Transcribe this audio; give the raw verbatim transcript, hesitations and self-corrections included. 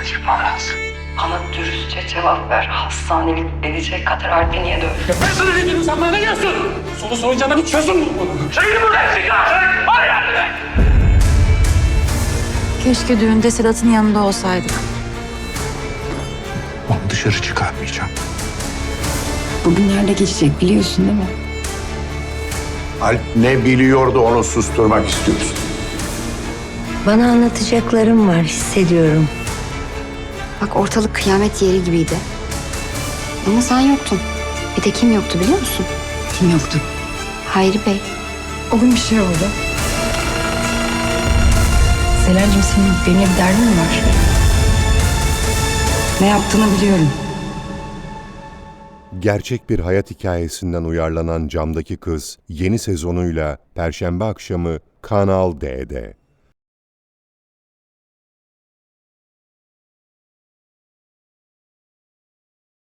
çıkmam lazım. Bana dürüstçe cevap ver. Hastanelik edecek kadar Alp'i niye dövdün? Ya ben sana ne dedim, sen bana ne diyorsun? Solu soyuncana bir çözüm bul bunu. Şeyini buradan çıkar! Bana yardım et! Keşke düğünde Sedat'ın yanında olsaydık. Onu dışarı çıkarmayacağım. Bugünlerde geçecek biliyorsun değil mi? Alp ne biliyordu onu susturmak istiyorsun. Bana anlatacaklarım var, hissediyorum. Bak ortalık kıyamet yeri gibiydi. Ama sen yoktun. Bir de kim yoktu biliyor musun? Kim yoktu? Hayri Bey. O gün bir şey oldu. Selen'cim senin benimle bir derdin mi var? Ne yaptığını biliyorum. Gerçek bir hayat hikayesinden uyarlanan Camdaki Kız yeni sezonuyla Perşembe akşamı Kanal D'de.